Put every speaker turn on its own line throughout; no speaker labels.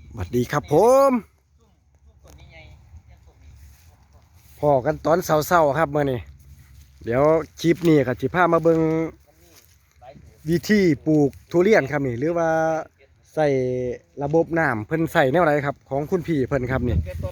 สวัสดีครับผมพอกันตอนเช้าๆครับมื่อนี้เดี๋ยวคลิปนี้ครับสิพามาเบิ่งวิธีปลูกทุเรียนครับนี่หรือว่าใส่ระบบน้ำเพิ่นใส่แนวไรครับของคุณพี่เพิ่นครับ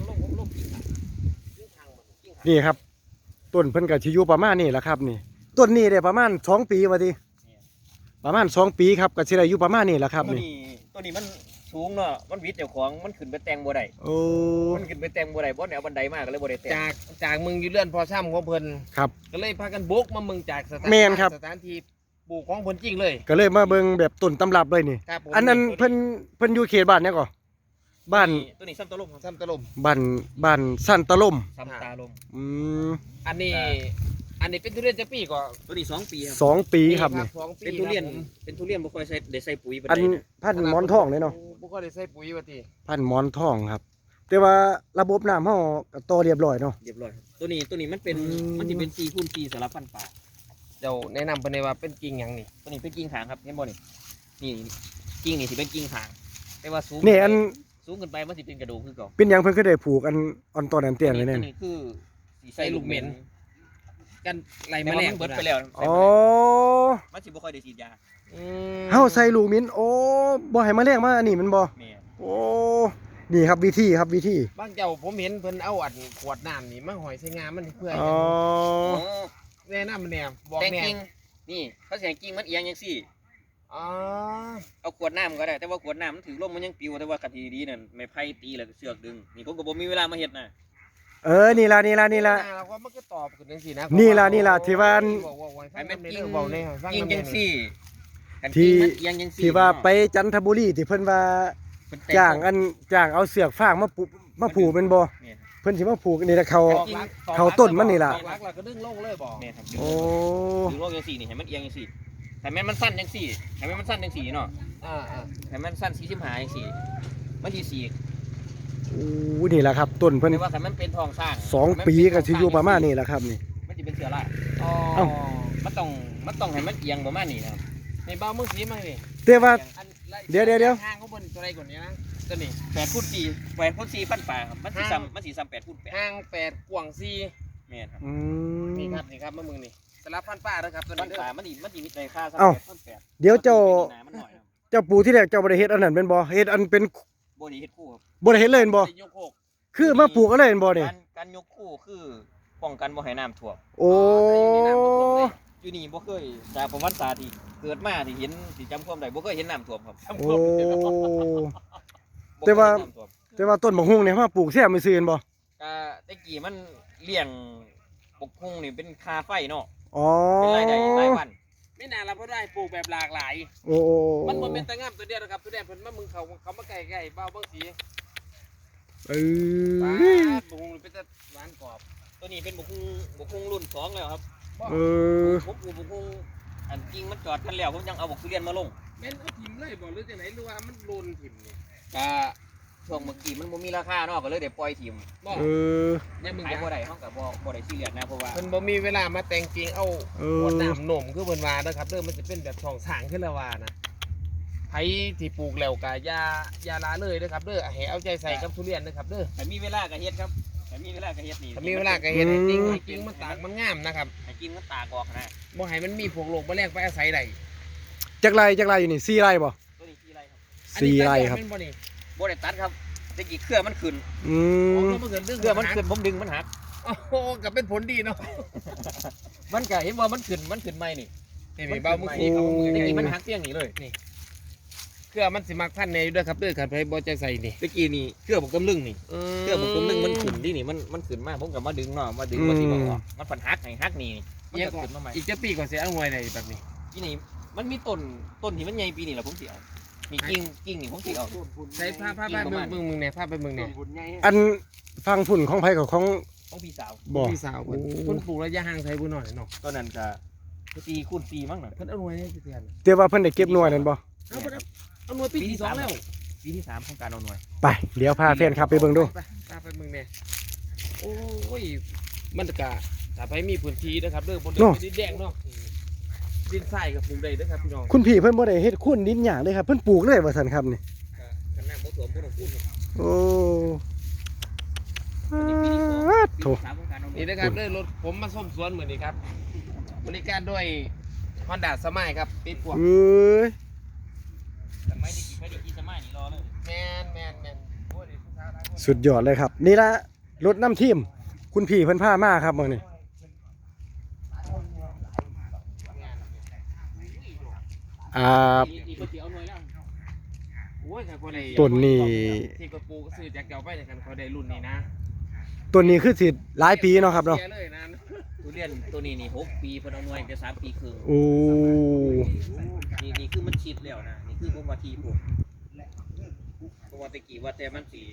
นี่ครับต้นเพิ่นกับชิอยูประมาณนี้แหละครับนี่ต้นนี้ได้ประมาณ2 ปีวะทีประมาณ2 ปีครับก็สิได้อยู่ประมาณนี้แหละครับนี่
ตัวนี้มันสูงเนาะมันวิดเจ้าของมันขึ้นไปแต่งบ่ได้
โอ้
มันขึ้นไปแต่งบ่ได้บ่แนวบันไดมากก็เลยบ่ได้แต่ง
จากมึงอยู่เลื่อนพอช่ำของเพิ่น
ครับ
ก็เลยพากันบุกมามึงจากสถานที่ปลูกของเพิ่นจริงเลย
ก็เลยมาเบิ่งแบบต้นตำรับเลยนี่อันนั้นเพิ่นอยู่เขตบ้านเนี่ยก่อบ้าน
ตัวนี้ซ้ำตะลม
บ้านสั้นตะล่ม
ซ้ำตาลม
อันนี้เป็นทุเรียนจะปีก่อน
ตัวนี้2 ปีครับ
2 ปีครับนี่
เป็นทุเรียนบ่ค่อยใส่ได้ใส่ปุ๋ย
อันพันหมอนทองเลยเนาะ
บ่ค่อยได้ใส่ปุ๋ยว่าติ
พันหมอนทองครับแต่ว่าระบบน้ำเฮาก็ต่อเรียบร้อยเนาะ
เรียบร้อยตัวนี้มันสิเป็น4x4สำหรับพันธุ์ป่า
เจ้าแนะนำเพิ่นได้ว่าเป็นกิ่งหยังนี่
ตัวนี้เป็นกิ่งขางครับเห็นบ่นี่กิ่งนี่สิเป็นกิ่งขางแต่ว่าสูง
นี่อัน
สูงขึ้นไปมันสิเป็นกระดูกคือเก่า
เป็นหยังเพิ่นคือได้ผูกอันต้นอันเตี้ยนไว้แน่
นี่คือ
ใส่ลูกเหม็นกันไล่แมลง
เบิดไปแล้ว
อ๋อ
มันสิบ่ค่อยได้ฉีดยา
เฮาใส่ลูกมิ้นโอ้บ่ให้แมลงมาอันนี้มันบ่โอ้นี่ครับวิธี
บางเจ้าผมเห็นเพิ่นเอาอัดขวดน้ำนี่มาหอยใส่งามมันเพื่อ
อ๋อ
แนะนำมันแน่บอกแน่
นี่เขาเสียงกิ่งมันเอียงจังซี่
อ๋อ
เอาขวดน้ำก็ได้แต่ว่าขวดน้ำมันถือลมมันยังปิวแต่ว่ากะทิดีนั่นไม่ไผ่ตีแล้วเสือกดึงนี่ผมก็บ่มีเวลามาเฮ็ดนะ
นี่ล่ะ
เราก็มันก็ตอบขึ้นจังซี่นะ
นี่ล่ะที่ว่า
ให้มันกิ่
งจังซี่
ที่ว่าไปจันทบุรีที่เพิ่นว่าจ้างเอาเสือกฟางมาผูกเป็นบ่เพิ่นสิมาผูกนี่ละเขาต้นมันนี่ล่ะ
หลักก็ดึงลงเลยบ่
โอ้
ดึงลงจังซี่นี่ให้มันเอียงจังซี่ให้มันสั้นจังซี่ให้มันสั้นจังซี่เนาะให้มันสั้น45จังซี่มันสิสี
นี่แหละครับต้นเพิ่น
ว่าให้มันเป็นทองสร้าง
2 ปีก็สิอยู่ประมาณนี้แหละครับนี่
มันสิเป็นเสือล่ะมันต้องให้มันเอียงประมาณนี้นะครับ
นี่เบามือสีมาดิ
แต่ว่าเดี๋ยว
ห่างเขาบนตัวใดก่อนนี้นะ
ตัวนี้8x4พันป่าครับมันสิซ้ำ8x8
ห่าง8กว้าง4
แม่นครับ
นี่ครับมามึงนี่สลับพันป่าแล้วครับตัวนี้
มันสิมีราคาซ้
ำ8เดี๋ยวเจ้าปู่ที่แรกเจ้าบ่ได้เฮ็ดอันนั้นเป็นบ่เฮ็ดอันเป็น
บ่ได้เฮ็ดคู่ครับ
บ่ได้เฮ็ดเลยบ่คือมาปลูกอะไรเป็นบ่นี่
การยกคู่คือป้องกันบ่ให้น้ำท่วม
โอ้
อยู่นี่บ่เคยจากประวัติศาสตร์ที่เกิดมาที่เห็นที่จำความได้บ่เคยเห็นน้ำท่วมครับ
โอ้แต่ว่าต้นบักฮุ่งเนี่ยมาปลูกแซ่บไม่ซื่อบ่
แต่กี้มันเลี้ยงบักฮุ่งนี่เป็นคาไฟเนาะ
อ๋อ
เป็นรายได้รายวัน
ไม่นานเราก็ได้ปลูกแบบหลากหลาย
โอ้
มันบ่เป็นตะงามตัวเดียวนะครับตัวแดงเพิ่นมามึงเขามาใกล้ๆเบาบางสี
บั
กฮุ่งเป็นตะหวานกรอบ
ตัวนี้เป็นบักฮุ่งรุ่น2แล้วครับผมปลูกบักฮุ่งอันจริงมันจอดกันแล้วผมยังเอาบักทุเรียนมาลง
แม่นเอาถิ่มเลยบ่หรือจังไหนหรือว่ามันโลนถิ่มนี่
ช่วงเมื่อกี้มันบ่มีราคาเนาะก็เลยได้ปล่อยถิ่ม
เนี่ยมึง
ขายบ่ได้เฮาก็บ่ได้ซีเรียสนะเพราะว่า
เพิ่นบ่มีเวลามาแต่งจริงเอาขวดน้ำหนมคือเพิ่นว่านะครับเด้อมันจะเป็นแบบช่องสร้างขึ้นแล้วว่านะไผที่ปลูกแล้วก็อย่าละเลยนะครับเด้อให้เอาใจใส่กับทุเรียนนะครับเด้อ
ถ้ามีเวลาก็เฮ็ดครับถ้ามีเวลาก็เฮ็ดนี่
ถ้ามีเวลาก็เฮ็ดจริงมันตากมันงามนะครับ
ให้กินมันตากออกนะ
บ่ให้มันมีพวกโรคแมลงไปอาศัยได้
จักไรอยู่นี่4 ไร่บ่
ตัวนี้4 ไร่ครับ
4 ไร่ครับ
บ่ได้ตัดครับแต่กี่เครือมันขึ้นเครือมันขึ้นผมดึงมันหัก
โอ้โหก็เป็นผลดีเนาะ
มันก็เห็นว่ามันขึ้นใหม่นี่
เบามือขี้เขา
แต่กี้มันหักเตี้ยงนี่เลย
นี่เครือมันสิมักพันในด้วยครับเด้อครับให้บ่ใจใส่นี่
ตะกี้นี่เครือผมกำลึงนี่เครือผมกำลึงมันขึ้นที่นี่มันขึ้นมากผมก็มาดึงเนาะมาดึงมาที่บ่ออกมันผันหักนี่
มันก็ขึ้นมาใหม่อีกจะปีก่อนเสียเอาหวยในแบบนี้
ที่นี่มันมีต้นที่มันใหญ่ปีนี่แหละผมเสียมีกิ่งนี่ผมสิเอา
ใช้ผ้ามึงเนี่ยผ้าไปมึงเนี่ย
อันฟังฝุ่นของไผกับของ
พี่สาว
พี่สาวคนปลูกระยะห่างใช้บุญหน่อยเนาะ
ตอนนั้นก็4x4มั้งน่ะ
เพิ่นเอาหน่วยนี่สิเตือน
แต่ว่าเพิ่นได้เก็บหน่วยนั่นบ่
เอาหน่วยปีที่2แล้ว
ปีที่3ของการเอาหน่วย
ไปเดี๋ยวพาแฟนครับไปเบิ่งดู
ไปมึงเนี่ยโอ้ยมันก็ถ้าไปมีพื้นที่นะครับเด้อบนดินแดงเนาะดินทรายกับปลูกได้เด้อครับพี่น้อง
คุณพี่เพิ่นบ่ได้เฮ็ดคุ้นดินหยางเลยครับเพิ่นปลูกเลยว่าซั่นครับนี่
น้ำบ่ท่วมบ่ต้องพูดครับ
โอ้
อันนี้ปีที่สองปี
โถ
ที่สามของการเอา
นี่นะครับเลยรถผมมาส้มสวนเหมือนนี้ครับบริการด้วย Honda สมัยครับติดพวก
เอ้ย
แต่ไม่ได้กี่สมัยนี่รอเลย
แมนโอ้ยผู้สาวหลายคน
สุดยอดเลยครับ นี่ละรถน้ำทีมคุณพี่เพิ่นพามาครับมื้อนี้อ่า
นี่ก็สิเอาหน่วยแล้ว
โอ้ยแต่คนใด
ต้นนี้
ที่กระปูก็ซื้อจากเก่าไปในกันเขาได้รุ่นนี้นะ
ตัวนี้คือสิหลายปีเนาะครับเนาะ
สียเลยนะ
ทุเรียนตัวนี้นี่6ปีเพิ่นเอาหน่วยจะ3ปีครึ่ง
โอ้
นี่คือมันชิดแล้วนะนี่คือผมว่าทีผมเพราะว่าตะกี้ว่าแต่มันสิ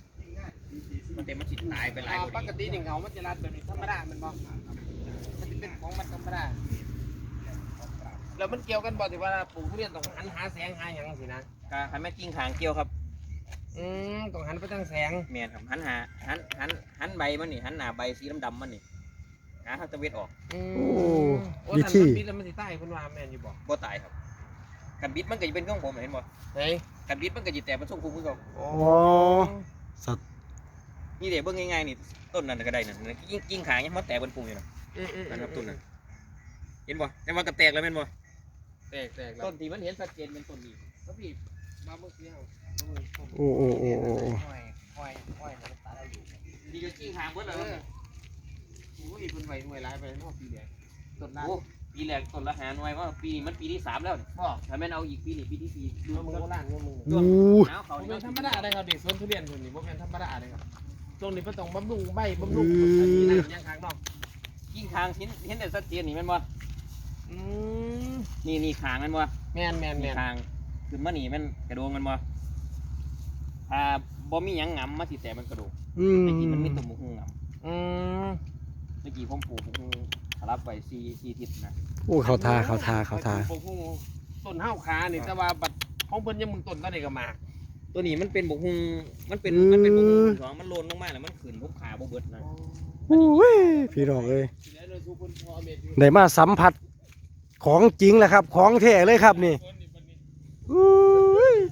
ตายไปหลายก
ป
ว่าก นี้
ติหนึ่งเขามันจะรัดแบบนี้ธรรมดามันบอกมันจะเป็นของมันธรรมดาแล้วมันเกี่ยวกันบอกที่ว่าปลูกทุเรียนต้องหันหาแสงหาอย่างสินะ
ก็หันแม่กิ่งหางเกี่ยวครับ
ต้องหันไปทางแสง
แม่นครับหันใบมันนี่หันหน้าใบสีดำๆมันนี่หาทางตะเวนออก
โอ้
วิ
ท่าน
ธี
มันบิดแล้วมันสิใต้เพิ่นว่าแม่นอยู่บ่
บ่ตายครับกันบิดมันก็จะเป็นของผมเห็นบ่
เฮ้ย
กันบิดมันก็จะแตกเป็นทรงคุ้มคือเก่า
โอ้
สัตว์
นี่เดี๋ยวเบิ่งง่ายๆนี่ต้นนั้นก็ได้นั่นกิ่งขางยังมันแตกเป็นปุ่มอยู่นะนั่นครับต้นนั้นเห็นบ่แต่ว่าก็แตกแล้วแม่นบ่
แตกแล้ว
ต้นที่มันเห็นชัดเจนเป็นต้นนี้
แล้วพี่มาเมื่อกี้เอา
โอ้โอ้โอ้โอ้โอ้
ห้อยมันตาได้อยู่
นี่ก็กิ่งขางเบิดแล้ว
โอ้ยเพิ่นไหวหน่วยหลายไปเนาะปีเดียวต้นนั้น
โอ้ปีแรกต้นละหาหน่วยว่าปีนี้มันปีที่3แล้วนี่ถ้าแม่นเอาอีกปีนี้ปีที่4ดู
เงิน
มัน
มึง
ก็
โบราณเงินมึง
อู้
หนาวเขา
บ่
นี่
เป็นธรรมดาเลยครับดิสวนทุเรียนเพิ่นนี่บ่เป็นธรรมดาเลยครับช่วงนี้เพิ่นต้องบำรุงใบบำรุงอันนี้นะยังค้างเนาะ
กิ่งขางเห็นได้ชัดเจนนี่แม่นบ่
อืม
นี่ขางแม่นบ่
แม่น
นี่ขางขึ้นมานี่แม่นกระโดงแม่นบ่ถ้าบ่มีหยังงำมาสิแต่มันกระโดง
อืม
ตะกี้มันมีต้นบุกงำ
อืม
เมื่อกี้ผมปลูกบุกรับไป4ทิศนะ
โอ้เขาทา
ปลูกต้นห้าวขานี่แต่ว่าบัดของเพิ่นยังมึงต้นตอนนี้ก็มา
ตัวนี้มันเป็นบุกมันเป็นบุกสองมันโลนลงมาแล้วมันขึ้นผมขาบ่เบิดนะ
โอ้ยพี่น้องเอ้ย
ทีนี้เลยทุกคนพอเม็ดอยู่
ได้มาสัมผัสของจริงแหละครับ ของแท้เลยครับนี่อุ้ย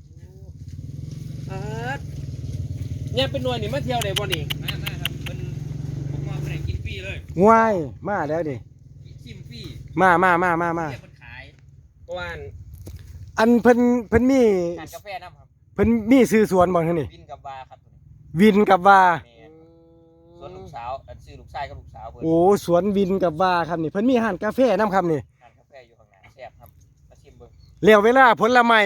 เนี่ยเป็นหน่วยนี่มาเที่ยวได้บ่นี่
มาครับเป็นผมว่าเป็นกินฟรีเลย
ง่ายมาแล้วนี่
ชิมฟรี
มา
เรียกมันขาย
ว่าน
อันเพิ่นมี
ทานกาแฟน้ำครับ
เพิ่นมีซื้อสวนบ่ท่านนี่
วินกับบาครับตัวนี้
วินกับว่า
แม่นส่วนลูกสาวอันซื้อลูกชายกับลูกสาวเพิ่น
โอ้สวนวินกับว่าครับนี่เพิ่นมีร้านกาแฟนํครับนี่
ทานกาแฟอยู่ข้างหน้าแซ่บครับมาชิมเบิ่ง
แล้วเวลาผลไม้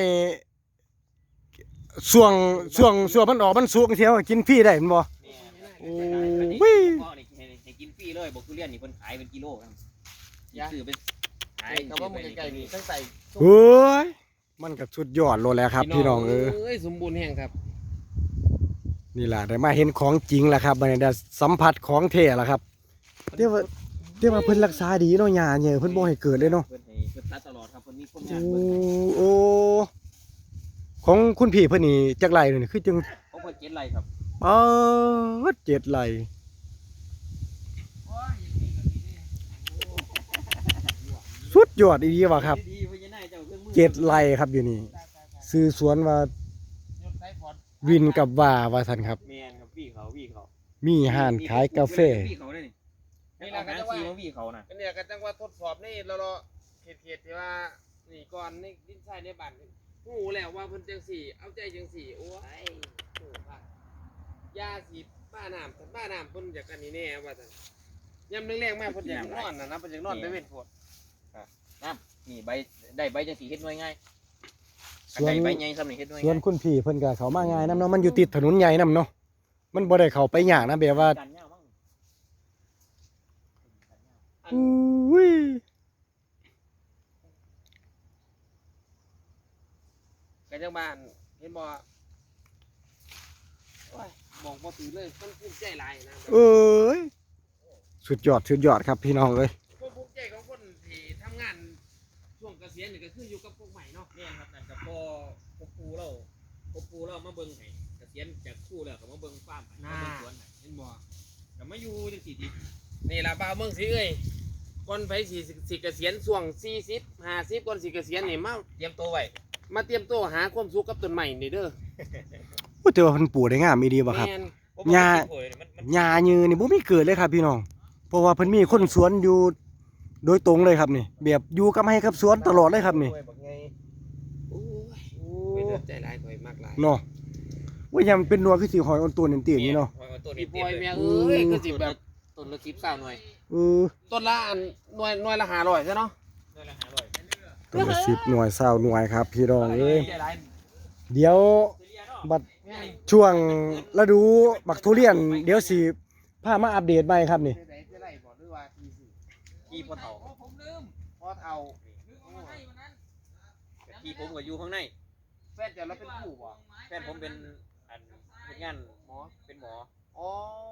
ช่วงมันออกมันสุกเสียวกินฟรีได้แม่นบ่
แม่น
โอ้
โอ้
ย
ให้กินฟรีเลยบอกทุเรียนนี่เพิ่นขายเป็นกิโลครับซื้อเป็นขาย
ก็ว่ามึงไกลๆนี่ตั้งแต่
เฮ้ยมันก็สุดยอดโลดแล้วครับพี่น้อง
เอ้ยสมบูรณ์แห่งครับ
นี่ล่ะได้มาเห็นของจริงแล้วครับบัดนี้ได้สัมผัสของแท้แล้วครับเรียกว่าเพิ่นรักษาดีเนาะหญ้าเนี่ยเพิ่นบ่ให้เกิดเลยเนาะ
เพิ่นให้เพิ่นตัดตลอดครับเพิ่นมีความ
โอ้
ยากเพิ่น
โอ้ของคุณพี่เพิ่นนี่จักไรนี่คือจัง
เขาเพิ่นเจ็ดไรครับ
7 ไร่สุดยอดอีหลีว่ะครับ
ดีๆเพิ่นจะได้เจ้าเครื่องมือ
7 ไร่ครับอยู่นี่ซื้อสวนว่าวินกับว่าซั่นครับ
แม่นครับพี่เขา
มีห้านขายกาแฟ
พี่เขาได้นี่นี่เราก็จะว่าพี่เขาน่ะ
ก็เนี่ยก็จังว่าทดสอบนี่เราเขตที่ว่านี่ก่อนนี่ดินทรายในบ้านหูแล้วว่าเพิ่นจังสี่เอาใจจังสี่โอ้ยโหค่ะยาสีบ้าน้ำเพิ่นอยากกันนี่แน่ว่าซั่นยามแรงๆมาเพิ่นอยากนอนนะเพิ่นอยากนอนไปเว้นโพด
นี่ใบได้ใบจังสีเฮ็ดหน่วยง่าย
สวน
ได้ใบใหญ่ซ้ำนี่เฮ็ดหน่วย
สวน
ง่าย
คุณพี่เพิ่นก็เข้ามาง่ายนํเนาะมันอยู่ติดถนนใหญ่นํเนาะมันบ่ได้เข้าไปยากนะแบบว่า
กันยาวมั้ง
อุ้ย
ก็จังบ้านเห็นบ่โอ้ยบอกบ่ถือเลยมันภูมิใจหลายนะ
เอ้ยสุดยอดครับพี่น้องเอ้ย
ความภูมิใจของคนที่ทำงานช่วงเกษียณนี่ก็คืออยู่กับพวกใหม่เนาะ
เนี่ยครับนั่นก็พอปูเรามาเบิ่งให้เกษียณจากครูแล้วก็มาเบิ่งฟาร์มให้มาเบิ่งสวนให้
เห็นบ่
ก็มาอยู่จังซี่ดิ
นี่ล่ะบ่าวเมืองสิเอ้ยก่อนไปสิเกษียณช่วง40 50ก่อนสิเกษียณนี่มา
เตรียมตัวไว้
มาเตรียมตัวหาความสุขกับต้นใหม่นี่เด้อ
โอ้แต่ว่าเพิ่นปลูกได้งามอีดีบ่ครับ
แม่น
หญ้า หญ้ายืนนี่บ่มีเกิดเลยครับพี่น้องเพราะว่าเพิ่นมีคนสวนอยู่โดยตรงเลยครับนี่แบบอยู่กับให้กับสวนตลอดเลยครับนี่
โอ้ยเป็นเดือดใจร้ายข่อยมากหลาย
เนาะว่ายังเป็นนัวคือสิหอยออนตัวนี่ตีนี่เนาะ
พี่ปอยแม่เอ้ยคือสิแบบ
ต้นละ10 20หน่วย
เออ
ต้นละอันหน่วยละ500ใช่เนาะ
หน่วยละ500
ตัวละ10หน่วย20หน่วยครับพี่น้องเอ้ย
ใจร้าย
เดี๋ยวบัดช่วงฤดูบักทุเรียนเดี๋ยวสิพามาอัปเดตใหม่ครับนี่
ใจไหนใจไรบอกด้วยว่าทีสิ
ที่พ่อเฒ่า
พอเท่า
ที่ผมก็อยู่ข้างใน
แฟนเจ้าเราเป็นผู้บ่
แฟนผมเป็นอันเฮ็ดงานหมอเป็นหมอ
อ๋อ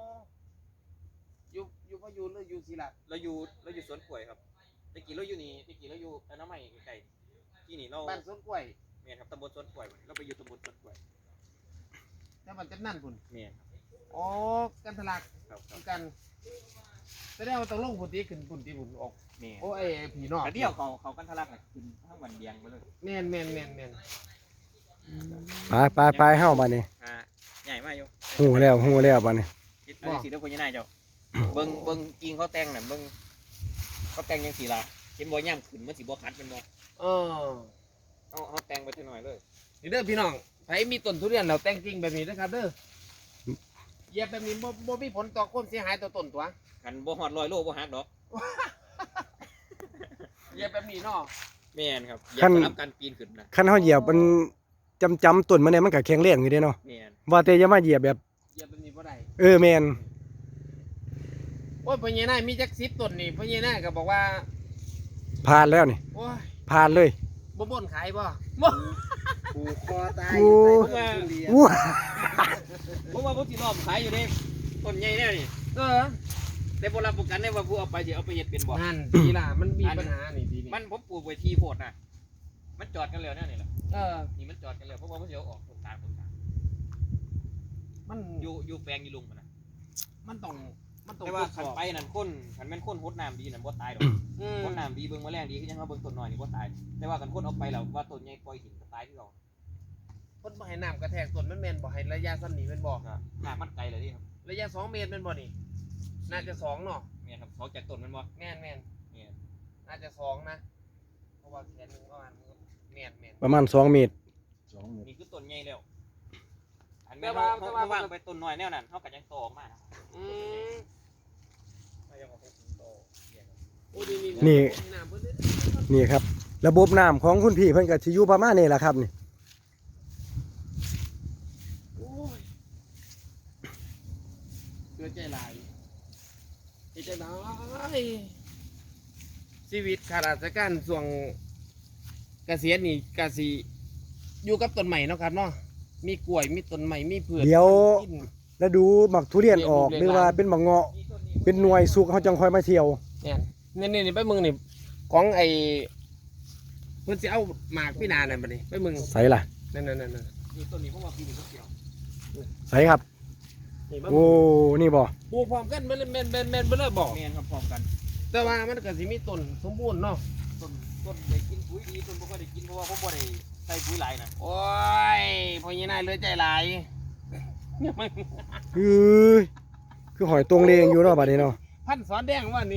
อยู่พะยูนหรืออยู่ศิลา
เราอยู่สวนกล้วยครับตะกี้เราอยู่นี่ตะกี้เราอยู่อนามัยใกล้ๆที่นี่เรา
บ้านสวนกล้วย
แม่นครับตำบลสวนกล้วยเราไปอยู่ตำบลสวนกล้วย
แต่มันจะนั่นพุ่น
แม่น
อ๋อกันทะลัก
ครับครับ
กันแสดงว่าต้องลงพุ่นที่ขึ้นพุ่นที่พุ่นออก
แม่น
โอ้ไอ้ผีนอก
กระเดี่ยวเขากันทะลักน่ะขึ้นทั้งวันเดียงไปเลย
แม่น
ไปเฮาบัดนี้
ใหญ่มากอยู่
ฮู้แล้วบัดนี้
คิดอะไรสิเด้อคนยังไงเจ้าเบิ่งจริงเขาแต่งน่ะเบิ่งเขาแต่งจังซี่ล่ะเห็นบ่ย่ํขึ้นมันสิบ่คัดเป็นบ่
เออ
เอาแต่งไปจังหน่อยเลย
นี่เด้อพี่น้องไผมีต้นทุเรียนเราแต่งจริงแบบนี้นะครับเด้อเหยียบแบบนี้บ่มีผลต่อความเสียหายต่อต้นตัว
คันบ่ฮอด100โลบ่หักดอก
เหยียบแบบนี้เนาะ
แม่นครับอย่าสลับกันปีนขึ้นนะ
คันเฮาเหยียบมันจำต้นมันเนี่ยมันก็แข็งแรงอยู่เด้เนาะ
แม่น
ว่าแต่อย่ามาเหยียบแบบ
เหยียบแบบนี้บ่ได้
แม่น
โอ้ยพ่อใหญ่นายมีจัก10ต้นนี่พ่อใหญ่นายก็บอกว่า
ผ่านแล้วนี่
โอ้ย
ผ่านเลย
บ่บ่นขายบ่บ่
ผูกคอตาย
โอ้
ใส่ต้นทุเรียน
อู้
ผมว่าผมสิรอบขายอยู่เด้ต้นใหญ่แน่นี่
เออ
แต่บ่รับประกันได้ว่าผู้เอาไปสิเอาไปเฮ็ดเป็นบ่
นั่นทีล่ะมันมีปัญหานี่ทีนี้
มันผมปลูกไว้ที่โพดน่ะมันจอดกันแล้วแน่นี่ล่ะ
เออ
นี่มันจอดกันแล้วเพราะว่ามันสิเอาออกต้นตาล
มัน
อยู่แปลงอยู่ลุงมันน่ะ
มันต้องตร
แต่ว่า
วจส
คัน
อบ
ไปนั่นคนคันแม่นคนฮดน้ำดีนั่นบ่ตายดอก
อืม
ฮดน้ำดีเบิ่งแมลงดีคือยังเฮาเบิ่งต้นน้อยนี่บ่ตายแต่ว่าคันคนเอาไปแล้วว่าต้นใหญ่ปล่อยทิ้งก็ตายคือเก่า
เพิ่นบ่ให้น้ำกระแทกต้นมันแม่นบ่ให้ระยะซ้ำนี้แม่นบ่
ก็หากมันไกลเลยนี่ครับ
ระยะ2 เมตรแม่นบ่นี่น่าจะ2เนาะ
แม่นครับเขาจากต้นมันบ่
แม่น
แม่น
น่าจะ2นะเพราะว่าแขนหนึงประมาณแม่น
ประมาณ2เมตร
นี่คือต้นใหญ่แล้วอัน
แต่
แม่น
ว่า
เฮาวางไปต้นน้อยแนวนั้นเฮาก็ยังโตออกมานะ
อืม
เฮายังเอาไปโตเลี้ยง
โอ้ดี
นี่
น้ำเพิ่นเด้อ
นี่ครับ ระบบน้ำของคุณพี่เพิ่นก็สิอยู่ประมาณนี้แหละครับนี่
โอ้ยเกิดใจหลายเฮ็ดใจหลายชีวิตข้าราชการช่วงเกษียณนี่ก็สิอยู่กับต้นใหม่เนาะครับเนาะมีกล้วยมีต้นใหม่มีพืช
เดี๋ยว
กิน
แล้วดูหมักทุเรียนออกหรือว่าเป็นหมักเงาะเป็นหน่วยสุกเขาจังค่อยมาเที่ยว
เนี่ยนี่ไปมึงนี่ของไอ้เพิ่นสิเอาหมากพี่นานั่นบัดนี้ไปมึง
ใส่ล่ะ
นั่น
นี่ต้นนี้ผมว่าปีนี้ก็เกี่ยว
ใส่ครับ
นี่บ่
โอ้นี่บ่
ปลูกพร้อมกันแม่นบ่เลยบอก
แม่นครับพร้อมกัน
แต่ว่ามันก็สิมีต้นสมบูรณ์เนาะ
ต้นได้กินปุ๋ยดีต้นบ่ค่อยได้กินเพราะว่าผมบ่ได้ใส่ปุ๋ยหลายนะ
โอ้ยพ่อใหญ่นายเหลือใจหลายเนี่ยไม่
คือหอยตรงเลงอยู่เนาะบัดนี้เนาะ
พันสอนแดงว่านี่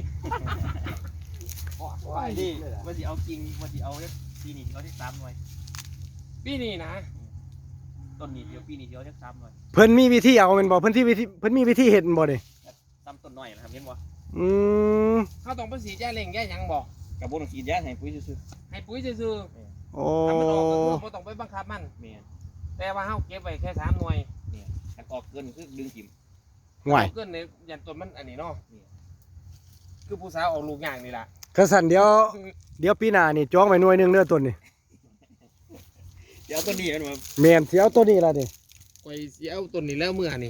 นี่ว่าสิเอากิ่งว่าสิเอาปีนี้สิเอาที่3หน่วย
ปีนี้นะ
ต้นนี้เดี๋ยวปีนี้สิเอาที่3หน่วย
เพิ่นมีวิธีเอาแม่นบ่เพิ่นมีวิธีเฮ็ดบ่นี่
ตามต้นน้อยนะครับเห็นบ่
อืม
เขาต้องไปสีแจ้เล่งแย่หยังบอก
กับบ่ต้องฉีดยาให้ปุ๋ยซื่อ
ให้ปุ๋ยซื่อ
โอ้
ๆถ้ามันออกก็คือบ่ต้องไปบังคับมัน
ๆแม่น
แต่ว่าเฮาเก็บไว้แค่3หน่วย
อันออกเกินคือดึงถิ่ม
ห่วย
เกินในยันต้นมันอันนี้เนาะคือผู้สาวออกลูกอย่างนี่ล่ะ
กระสันเดี๋ยวปีหน้านี่จองไว้หน่วยหนึงเด้อต้นนี่
เดี๋ยวต้นนี้มันมา
แม่นสิเอาต้นนี้ล่ะนี่
ไว้สิเอาต้นนี้แล้วเมื่อนี่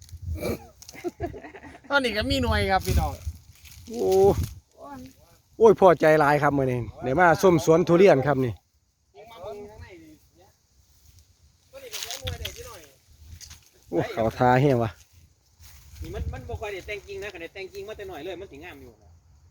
ตอนนี้ก็มีหน่วยครับพี่น้อง
โอ้ยพอใจหลายครับมื้อนี้ได้มาส้มสวนทุเรียนครับนี่
มาเบิ่งข้างในนี่เนี่ยตอนนี้ก็ใช้หน่วยได้พี่น้อย
โอ้เขาทาแฮงว่ะ
นี่มันบ่ค่อยได้แต่งกิ่งนะคันได้แต่งกิ่งมาแต่น้อยเลยมันสิงามอยู่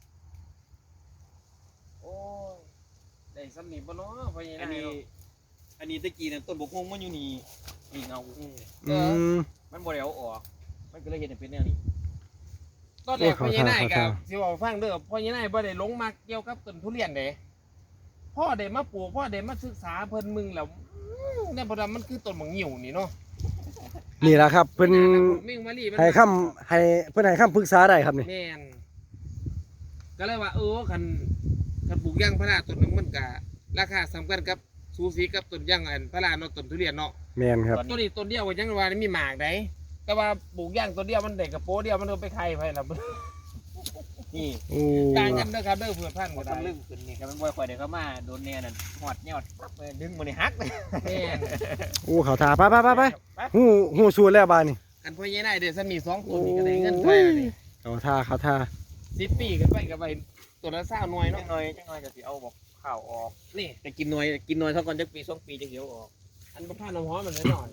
โอ้ยได้สำนีบ่เนาะพ่อใหญ่
อัน
นาย
นี้
เนาะ
อันนี้ตะกี้เนี่ยต้นบกฮวงมันอยู่นี่นี่เงา
อืม
มันบ่ได้เอาออกมันก็เลยเห็นเป็นแนวนี้
ตอนแรกพ่อใหญ่นายกับสิบอกฟังเด้อพ่อใหญ่นายบ่ได้ลงมาเกี่ยวกับต้นทุเรียนเด้พ่อได้มาปลูกพ่อได้มาศึกษาเพิ่นมึงแล้วเนี่ยบ่ดำมันคือต้นบักงิ้วนี่เนาะ
นี่ล่ะครับเพิ่น
เม่งมาลีมัน
ให้คำให้เพิ่นให้คำปรึกษาได้ครับนี่
แม่นก็เลยว่าคันปลูกยางพาราต้นหนึงมันก็ราคาสำคัญกับสูสีกับต้นยางอันพาราเนาะต้นทุเรียนเนาะ
แม่นครับ
ต้นนี้ต้นเดียวก็ยังว่ามีหมากได้แต่ว่าปลูกยางต้นเดียวมันได้กระโปเดียวมันก็ไปไข่ไปแล้ว
นี่
โอ้
ต่างกันเด้อครับเด้อเพื่อนพัน
หม
บ่
ด
ได้
ตำลึงขึ้นนี่ครับมันบ่ค่อยได้เข้ามาโดนแน่นั่นหอดยอดปั๊บเลยดึงมันนี่หักเลย
แม่น
โอ้เขาทาไปฮู้สูตรแล้วบาดนี่
อันพ่อใหญ่นายเด้อซั่นมี2ต้นนี่ก็ได้เงินเท่าไหร่นี่
เขาทา
10 ปีขึ้นไปก็ไปตัวละ20หน่วย
จั
เนาะ
งหน่อยก็สิเอาบอกข้าวออก
นี่
แต่กินหน่อยเท่ากันจักปี2ปีจังเดียวออก
อันบ่พาน้ำหอมมันแน่นอน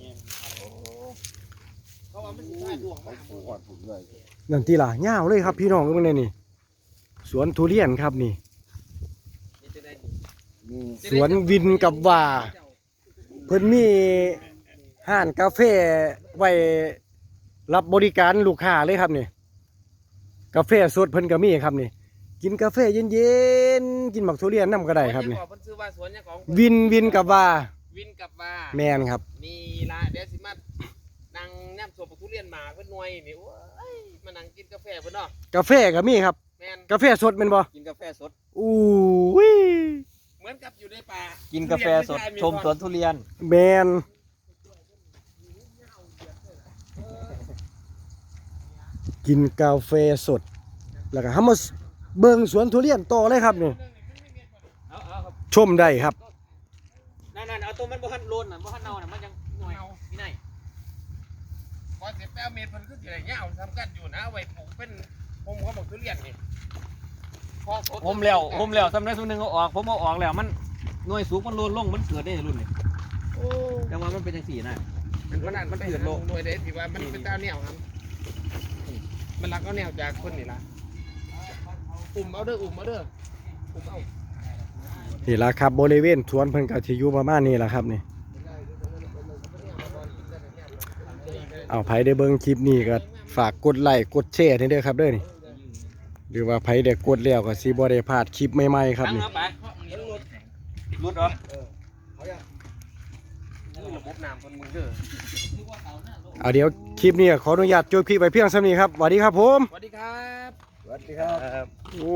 เพราะว่ามันสิได้ดวงมาก
ผู้อ่อนผมเลย
นั่นติล่ะยาวเลยครับพี่น้องเบิ่งแน่นี่สวนทุเรียนครับนี่
นี่จะได้
นี่
สวนวินกับว่าเพิ่นมีห้านกาแฟไว้รับบริการลูกค้าเลยครับนี่กาแฟสดเพิ่นก็มีครับนี่กินกาแฟเย็นๆกินหมักทุเรียนนํก็ได้ครับนี่
เพิ่นซื้อว่าสวนเนี่ยของ
วินกับว่า
วินกับว่า
แม่นครับ
นี่ล่ะเดี๋ยวสิมานั่งแนบสวนทุเรียนหมากเพิ่นหน่วยนี่โอ้ยมานั่งกินกาแฟเพิ่นเนาะ
กาแฟก็มีครับ
แม่น
กาแฟสดแม่นบ่
กินกาแฟสด
อู้วิ
เหมือนกับอยู่ในป่า
กิ
กิ
นกาแฟสดชมสวนทุเรียน
แม่นกินกาแฟสดแล้วก็เฮามาเบิ่งสวนทุเรียนต่อเลยครับนี่
เอาครับ
ชมได้ครับ
นั่นเอาตัวมันบ่ทันโลนน่ะบ่ทันเน่าน่ะมันยังหน่วยนี่ไหน
พอเสร็จแล้วเมตรเพิ่นคือสิได้ยาวทำกันอยู่นะไว้ปลูกเป็นผมก็บอกทุเรียนนี่พอสด
ผมแล้วสำเร็จสำนึงเอาออกผมเอาออกแล้วมันหน่วยสูงมันโลนลงมันเกิดได้รุ่นนี่
โอ้
จังว่ามันเป็นจังซี่นะ
มันขนาดมันเกิดโลกด้วยเด้ที่ว่ามันเป็นตาแนวครับมันรักเอาแนวจากคนนี่ล่ะอุ่มเอาเด้ออุ่มเอา
นี่ล่ะครับบริเวณสวนเพิ่นก็สิอยู่ประมาณนี้ล่ะครับนี่เอาไผได้เบิ่งคลิปนี้ก็ฝากกดไลค์กดแชร์ให้เด้อครับเด้อนี่หรือว่าไผได้กดแล้วก็สิบ่ได้พลาดคลิปใหม่ๆครับ
ตั้ง
นี่
เอาไปรุดเหรอ
ระบบน้ำคนมึงเด้อ
เอาเดี๋ยวคลิปนี้ขออนุญาตจบคลิปไปเพียงเท่านี้ครับสวัสดีครับผม
สวัสดีครับ
สวัสดีครับ
ครับ